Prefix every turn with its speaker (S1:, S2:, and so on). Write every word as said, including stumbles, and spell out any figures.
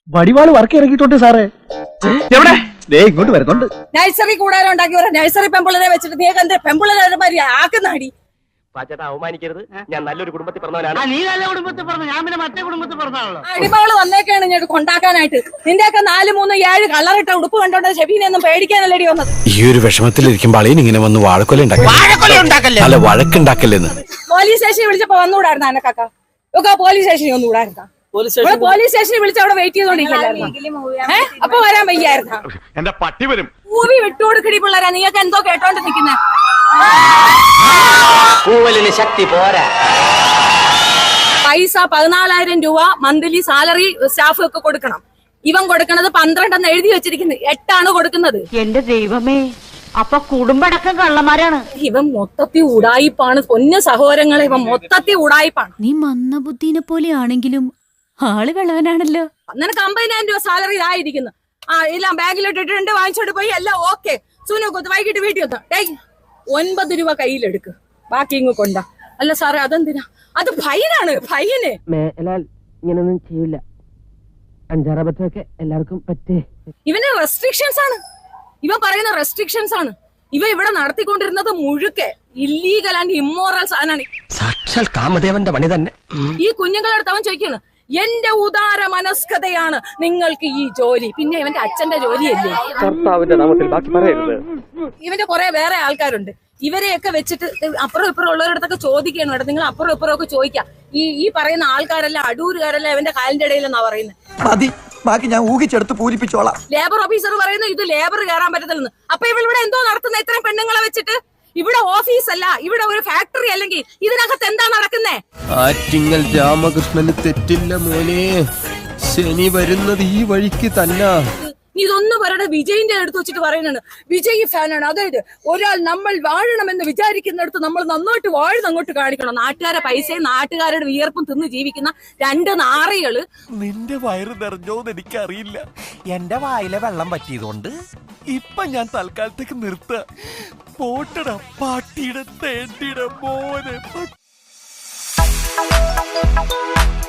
S1: വടിവാള് work ഇറക്കിയിട്ടുണ്ട് സാറേ. എവിടെ? ദേ ഇങ്ങോട്ട് വരുന്നുണ്ട്.
S2: നഴ്സറി കൂടാരം ഉണ്ടാക്കി ഒരു നഴ്സറി പെമ്പിള്ളരെ വെച്ചിട്ട് നീ എന്ത് പെമ്പിള്ളരെ മാതിരി ആക്കുന്നാടി?
S3: പാച്ചേട്ടാ അവമാനിക്കരുത്, ഞാൻ നല്ലൊരു കുടുംബത്തിൽ പറഞ്ഞവനാണ്.
S4: നീ നല്ല കുടുംബത്തിൽ പറഞ്ഞു, ഞാൻ പിന്നെ മറ്റേ കുടുംബത്തിൽ പറഞ്ഞാണല്ലോ.
S2: അടിമകള് വന്നേക്കാണ് ഇങ്ങോട്ട് കൊണ്ടാക്കാനായിട്ട്. നിന്റെയൊക്കെ നാല് മൂന്ന് ഏഴ് കളറിട്ട ഉടുപ്പ് കണ്ടോണ്ട് ഷെബീനെ ഒന്നും പേടിക്കാനല്ലടി വന്നത്.
S5: ഈ ഒരു വിഷമത്തിലിരിക്കുമ്പോൾ അളിയൻ ഇങ്ങനെ വന്ന് വാഴക്കൊല ഉണ്ടാക്കല്ലേ, അല്ല വഴക്കുണ്ടാക്കല്ലേന്ന്.
S2: പോലീസ് സ്റ്റേഷനിൽ വിളിച്ചപ്പോ വന്നുകൂടായിരുന്ന എന്നെ കാക്ക ഒക്കെ പോലീസ് സ്റ്റേഷനിൽ ഒന്നുകൂടായിരുന്ന? പോലീസ് സ്റ്റേഷനിൽ വിളിച്ച് അവിടെ വെയിറ്റ് ചെയ്തോണ്ടിരിക്കല്ലായിരുന്നു? അപ്പൊ വരാൻ വയ്യായിരുന്ന?
S6: എന്റെ പട്ടി വരും.
S2: മൂവി വിട്ടുകൊടുക്കടി പിള്ളേരാ, നീയൊക്കെ എന്തോ കേട്ടോണ്ട് നിൽക്കുന്നേ.
S3: പൂവലിന് ശക്തി പോരാ.
S2: പൈസ പതിനാലായിരം രൂപ മന്ത്ലി സാലറി സ്റ്റാഫ് ഒക്കെ കൊടുക്കണം. ഇവൻ കൊടുക്കണത് പന്ത്രണ്ടെന്ന് എഴുതി വെച്ചിരിക്കുന്നത്, എട്ടാണ് കൊടുക്കുന്നത്.
S4: എന്റെ ദൈവമേ, അപ്പൊ കുടുംബടക്കം കള്ളന്മാരാണ്.
S2: ഇവൻ മൊത്തത്തിൽ ഉടായിപ്പാണ് പൊന്നു സഹോദരങ്ങളെ, ഇവൻ മൊത്തത്തിൽ ഉടായിപ്പാണ്.
S7: നീ മന്ദബുദ്ധിനെ പോലെയാണെങ്കിലും ആള് വെള്ളവനാണല്ലോ.
S2: നിനക്ക് അമ്പതിനായിരം രൂപ സാലറി ഇതായിരിക്കുന്നു. ആ എല്ലാം ബാഗിലോട്ട് ഇട്ടിട്ടുണ്ട്, വാങ്ങിച്ചോട്ട് പോയി എല്ലാം ഓക്കെ. സൂനു കൊത്ത് വൈകിട്ട് വീട്ടിൽ വന്നു. ഡേയ് ഒൻപത് രൂപ കയ്യിലെടുക്ക്, ബാക്കി ഇങ്ങ് കൊണ്ട. അല്ല സാറേ അതെന്തിനാ? അത് ഫൈനാണ്, ഫൈന്.
S3: മേലാൽ ഇങ്ങനൊന്നും ചെയ്യില്ല. അഞ്ചാറബത്തൊക്കെ എല്ലാവർക്കും പറ്റേ.
S2: ഇവന് റെസ്ട്രിക്ഷൻസ് ആണ്, ഇവൻ പറയുന്ന റെസ്ട്രിക്ഷൻസ് ആണ്. ഇവ ഇവിടെ നടത്തിക്കൊണ്ടിരുന്നത് മുഴുക്കെ ഇല്ലീഗൽ ആൻഡ് ഇമ്മോറൽ സാധനമാണ്.
S3: സാക്ഷാൽ കാമദേവന്റെ പണി തന്നെ.
S2: ഈ കുഞ്ഞുങ്ങളടുത്ത് അവൻ ചോദിക്കാണ്, എന്റെ ഉദാര മനസ്കതയാണ് നിങ്ങൾക്ക് ഈ ജോലി. പിന്നെ ഇവന്റെ അച്ഛന്റെ ജോലിയല്ലേ?
S3: കർത്താവിന്റെ നാമത്തിൽ ബാക്കി പറയരുത്.
S2: ഇവന്റെ കുറെ വേറെ ആൾക്കാരുണ്ട്, ഇവരെയൊക്കെ വെച്ചിട്ട് അപ്പുറം ഇപ്പുറം ഉള്ളവരടുത്തൊക്കെ ചോദിക്കണം. ഇവിടെ നിങ്ങൾ അപ്പുറം ഇപ്പുറം ഒക്കെ ചോദിക്കാം. ഈ ഈ പറയുന്ന ആൾക്കാരെല്ലാം അടൂരുകാരെല്ലാം ഇവന്റെ കാലിന്റെ ഇടയിലെന്നാ പറയുന്നത്.
S1: മതി, ബാക്കി ഞാൻ ഊഹിച്ചെടുത്ത് പൂരിപ്പിച്ചോളാം.
S2: ലേബർ ഓഫീസർ പറയുന്നു ഇത് ലേബർ കയറാൻ പറ്റത്തില്ലെന്ന്. അപ്പൊ ഇവളിവിടെ എന്തോ നടത്തുന്ന ഇത്രയും പെണ്ണുങ്ങളെ വെച്ചിട്ട്? ഇവിടെ ഓഫീസ് അല്ല, ഇവിടെ ഒരു ഫാക്ടറി അല്ലെങ്കിൽ ഇതിനകത്ത് എന്താ നടക്കുന്നേ?
S8: ആറ്റിങ്ങൽ രാമകൃഷ്ണന് തെറ്റില്ല മോനെ, ശനി വരുന്നത് ഈ വഴിക്ക് തന്നെ.
S2: ഇതൊന്നും പറയണ വിജയിന്റെ അടുത്ത് വെച്ചിട്ട് പറയുന്നുണ്ട് വിജയ് ഫാനാണ്. അതായത് ഒരാൾ നമ്മൾ വാഴണമെന്ന് വിചാരിക്കുന്നിടത്ത് നമ്മൾ നന്നായിട്ട് വാഴുന്ന അങ്ങോട്ട് കാണിക്കണം. നാട്ടുകാരെ പൈസയും നാട്ടുകാരുടെ വിയർപ്പും തിന്ന് ജീവിക്കുന്ന രണ്ട് നാറികള്.
S8: നിന്റെ വയറ് നിറഞ്ഞോന്ന് എനിക്കറിയില്ല, എന്റെ വായിലെ വെള്ളം പറ്റിയതുകൊണ്ട് ഇപ്പൊ ഞാൻ തൽക്കാലത്തേക്ക് നിർത്ത. പോട്ടട പാട്ടിയുടെ തേണ്ടിട മോനെ.